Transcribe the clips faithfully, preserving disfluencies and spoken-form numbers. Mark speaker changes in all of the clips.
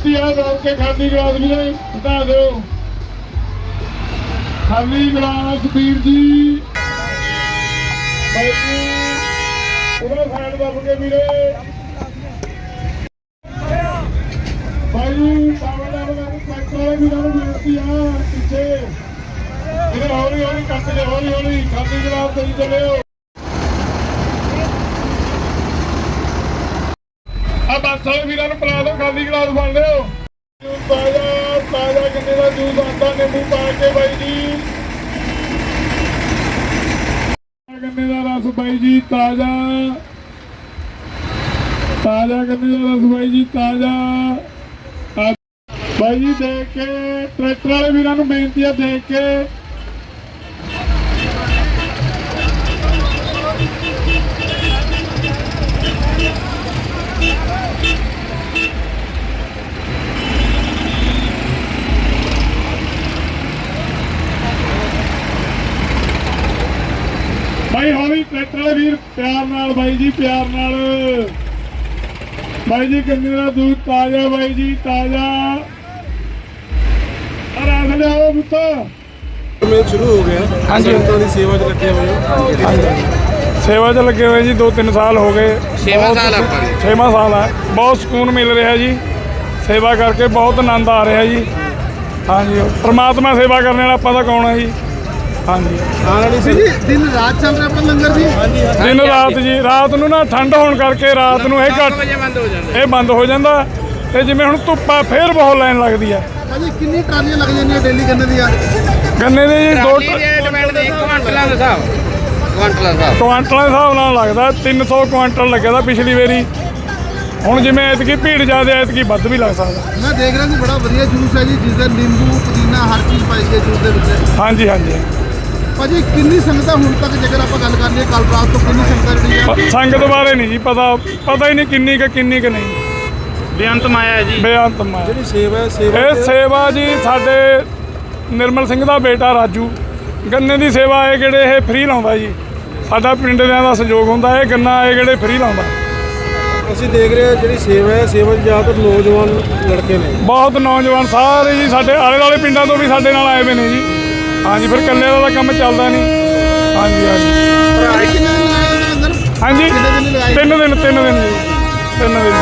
Speaker 1: बेनती है रोक के खाली गिलास भी हटा दो खाली गिलास वीर जी भाई जी पूरा साइड दब के वीरे भाई जी ट्रैक्टर वाले वीरों को बेनती है पीछे इधर हौली हौली कट के हौली हौली खाली गिलास दे चले बस वाले वीरों को पिला दो खाली गिलास बन लियो ताजा ताजा गन्ने का जूस आता नींबू पा के भाई जी गन्ने का रस भाई जी ताजा ताजा गन्ने का रस भाई जी ताजा भाई जी देख के ट्रैक्टर वाले वीरों को बेनती है देख के भाई हौली ट्रैक्टर वाले वीर प्यार नाल भाई जी प्यार नाल भाई जी गन्ने का दूध ताजा भाई जी ताजा रस लियाओ पुत्त
Speaker 2: शुरू हो गया हाँ जी सेवा च लगे हुए
Speaker 3: सेवा च लगे हुए जी दो तीन साल हो गए
Speaker 4: छेवां साल
Speaker 3: छेवां साल है बहुत सुकून मिल रहा जी सेवा करके बहुत आनंद आ रहा जी हाँ जी परमात्मा सेवा करने वाला ਆਪਾਂ ਤਾਂ कौन है जी हाँ जी
Speaker 2: ਆਉਣ ਵਾਲੀ ਸੀ ਜੀ ਦਿਨ ਰਾਤ ਚੱਲ ਰਿਹਾ ਆਪਣਾ ਲੰਗਰ ਜੀ
Speaker 3: दिन रात जी रात ਨੂੰ ਨਾ ਠੰਡ ਹੋਣ ਕਰਕੇ ਰਾਤ ਨੂੰ ਇਹ ਘੱਟ
Speaker 4: ਬੰਦ ਹੋ ਜਾਂਦਾ
Speaker 3: ਇਹ ਬੰਦ ਹੋ ਜਾਂਦਾ ਤੇ ਜਿਵੇਂ ਹੁਣ ਧੁੱਪਾ ਫੇਰ ਬਹੁਤ ਲਾਈਨ ਲੱਗਦੀ ਆ
Speaker 2: ਭਾਜੀ ਕਿੰਨੀ ਟਰਾਲੀਆਂ ਲੱਗ ਜਾਂਦੀਆਂ ਡੇਲੀ ਗੰਨੇ ਦੀਆਂ
Speaker 3: ਗੰਨੇ ਦੇ ਜੀ ਦੋ
Speaker 4: ਟਰਾਲੀ ਦੇ ਡਿਪੈਂਡ ਦੇ ਕੁਆਂਟਲਾਂ ਦਾ ਹਿਸਾਬ ਕੁਆਂਟਲਾਂ ਦਾ
Speaker 3: ਕੁਆਂਟਲਾਂ ਦੇ ਹਿਸਾਬ ਨਾਲ ਲੱਗਦਾ ਤਿੰਨ ਸੌ ਕੁਆਂਟਲ ਲੱਗਿਆ ਦਾ ਪਿਛਲੀ ਵਾਰੀ ਹੁਣ ਜਿਵੇਂ ਐਤਕੀ ਭੀੜ ਜ਼ਿਆਦਾ ਐਤਕੀ ਵੱਧ ਵੀ ਲੱਗ ਸਕਦਾ
Speaker 2: ਮੈਂ ਦੇਖ ਰਿਹਾ ਸੀ ਬੜਾ ਵਧੀਆ ਜੂਸ ਹੈ ਜੀ ਜਿਸ ਦਾ ਨਿੰਬੂ ਪੁਦੀਨਾ ਹਰ ਚੀਜ਼ ਪਾਈ ਗਈ ਜੂਸ ਦੇ ਵਿੱਚ
Speaker 3: ਹਾਂਜੀ ਹਾਂਜੀ
Speaker 2: ਭਾਜੀ ਕਿੰਨੀ ਸੰਗਤਾਂ ਹੁਣ ਤੱਕ ਜੇਕਰ ਆਪਾਂ ਗੱਲ ਕਰ ਲਈਏ ਕੱਲ ਰਾਤ ਤੋਂ ਕਿੰਨੀ ਸੰਗਤਾਂ ਜਿਹੜੀ ਹੈ
Speaker 3: ਪ- ਸੰਗਤ ਬਾਰੇ ਨਹੀਂ ਜੀ ਪਤਾ ਪਤਾ ਹੀ ਨਹੀਂ ਕਿੰਨੀ ਕੁ ਕਿੰਨੀ ਕੁ ਨਹੀਂ
Speaker 4: ਬੇਅੰਤ ਮਾਇਆ ਹੈ ਜੀ
Speaker 3: ਬੇਅੰਤ ਮਾਇਆ
Speaker 2: ਜਿਹੜੀ ਸੇਵਾ ਹੈ ਸੇਵਾ
Speaker 3: ਇਹ ਸੇਵਾ ਜੀ ਸਾਡੇ ਨਿਰਮਲ ਸਿੰਘ ਦਾ ਬੇਟਾ ਰਾਜੂ ਗੰਨੇ ਦੀ ਸੇਵਾ ਇਹ ਕਿਹੜੇ ਇਹ ਫ੍ਰੀ ਲਾਉਂਦਾ ਜੀ ਸਾਡਾ ਪਿੰਡ ਦਿਆਂ ਦਾ ਸਹਿਯੋਗ ਹੁੰਦਾ ਇਹ ਗੰਨਾ ਇਹ ਕਿਹੜੇ ਫ੍ਰੀ ਲਾਉਂਦਾ
Speaker 2: ਅਸੀਂ ਦੇਖ ਰਹੇ ਹਾਂ ਜਿਹੜੀ ਸੇਵਾ ਹੈ ਸੇਵਾ 'ਚ ਜ਼ਿਆਦਾਤਰ ਨੌਜਵਾਨ ਲੜਕੇ ਨੇ
Speaker 3: ਬਹੁਤ ਨੌਜਵਾਨ ਸਾਰੇ ਜੀ ਸਾਡੇ ਆਲੇ ਦੁਆਲੇ ਪਿੰਡਾਂ ਤੋਂ ਵੀ ਸਾਡੇ ਨਾਲ ਆਏ ਹੋਏ ਨੇ ਜੀ ਹਾਂਜੀ ਫਿਰ ਇਕੱਲੇ ਦਾ ਤਾਂ ਕੰਮ ਚੱਲਦਾ ਨਹੀਂ ਹਾਂਜੀ ਹਾਂਜੀ
Speaker 2: ਭਾਜੀ ਕਿੰਨੇ ਦਿਨ ਲਾਏ ਨੇ ਅੰਦਰ
Speaker 3: ਹਾਂਜੀ
Speaker 2: ਕਿੰਨੇ ਦਿਨ ਲਗਾਏ
Speaker 3: ਤਿੰਨ ਦਿਨ ਤਿੰਨ ਦਿਨ ਜੀ ਤਿੰਨ ਦਿਨ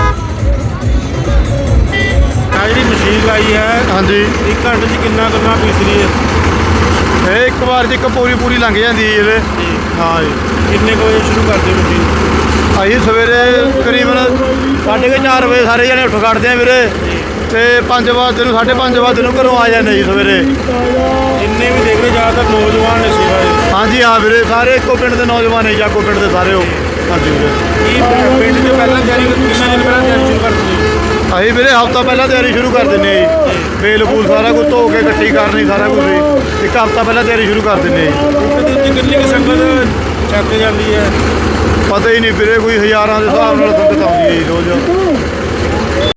Speaker 4: ਆ ਜਿਹੜੀ ਮਸ਼ੀਨ ਲਾਈ ਹੈ
Speaker 2: ਹਾਂਜੀ
Speaker 4: ਇੱਕ ਘੰਟੇ 'ਚ ਕਿੰਨਾ ਕਰਨਾ ਪੀਸ ਰਹੀ ਹੈ
Speaker 2: ਇਹ ਇੱਕ ਵਾਰ 'ਚ ਇੱਕ ਪੂਰੀ ਪੂਰੀ ਲੰਘ ਜਾਂਦੀ ਹੈ ਇਹਦੇ ਹਾਂ ਜੀ
Speaker 4: ਕਿੰਨੇ ਕੁ ਵਜੇ ਸ਼ੁਰੂ ਕਰਦੇ ਹੋ ਮਸ਼ੀਨ
Speaker 2: ਅਸੀਂ ਸਵੇਰੇ ਕਰੀਬਨ ਸਾਢੇ ਕੁ ਚਾਰ ਵਜੇ ਸਾਰੇ ਜਣੇ ਉੱਠ ਖੜਦੇ ਆ ਵੀਰੇ ਤੇ ਪੰਜ ਵਜੇ ਨੂੰ ਸਾਢੇ ਪੰਜ ਵਜੇ ਨੂੰ ਘਰੋਂ ਆ ਜਾਂਦੇ ਜੀ ਸਵੇਰੇ
Speaker 4: ਜਿੰਨੇ ਵੀ ਦੇਖ ਰਹੇ ਜ਼ਿਆਦਾਤਰ ਨੌਜਵਾਨ ਨੇ ਸੇਵਾ ਇਹ।
Speaker 2: ਹਾਂਜੀ ਹਾਂ ਵੀਰੇ ਸਾਰੇ ਇੱਕੋ ਪਿੰਡ ਦੇ ਨੌਜਵਾਨ ਨੇ ਜਾਗੋ ਪਿੰਡ ਦੇ ਸਾਰੇ ਉਹ ਹਾਂਜੀ ਵੀਰੇ
Speaker 4: ਕੀ ਪਿੰਡ 'ਚ ਪਹਿਲਾਂ ਤਿਆਰੀ ਕਿੰਨਾ ਦਿਨ ਪਹਿਲਾਂ ਤਿਆਰੀ ਸ਼ੁਰੂ ਕਰਦੇ ਹੋ
Speaker 2: ਅਸੀਂ ਵੀਰੇ ਹਫ਼ਤਾ ਪਹਿਲਾਂ ਤਿਆਰੀ ਸ਼ੁਰੂ ਕਰ ਦਿੰਦੇ ਹਾਂ ਜੀ ਬੇਲ ਬੂਲ ਸਾਰਾ ਕੁਝ ਧੋ ਕੇ ਇਕੱਠੀ ਕਰਨੀ ਸਾਰਾ ਕੁਝ ਜੀ ਇੱਕ ਹਫ਼ਤਾ ਪਹਿਲਾਂ ਤਿਆਰੀ ਸ਼ੁਰੂ ਕਰ ਦਿੰਦੇ ਹਾਂ ਜੀ
Speaker 4: ਇੱਕ ਦਿਨ 'ਚ ਕਿੰਨੀ ਕੁ ਸੰਗਤ ਚੱਕ ਜਾਂਦੀ ਹੈ
Speaker 2: ਪਤਾ ਹੀ ਨਹੀਂ ਵੀਰੇ ਕੋਈ ਹਜ਼ਾਰਾਂ ਦੇ ਹਿਸਾਬ ਨਾਲ ਸੰਗਤ ਆਉਂਦੀ ਹੈ ਜੀ ਰੋਜ਼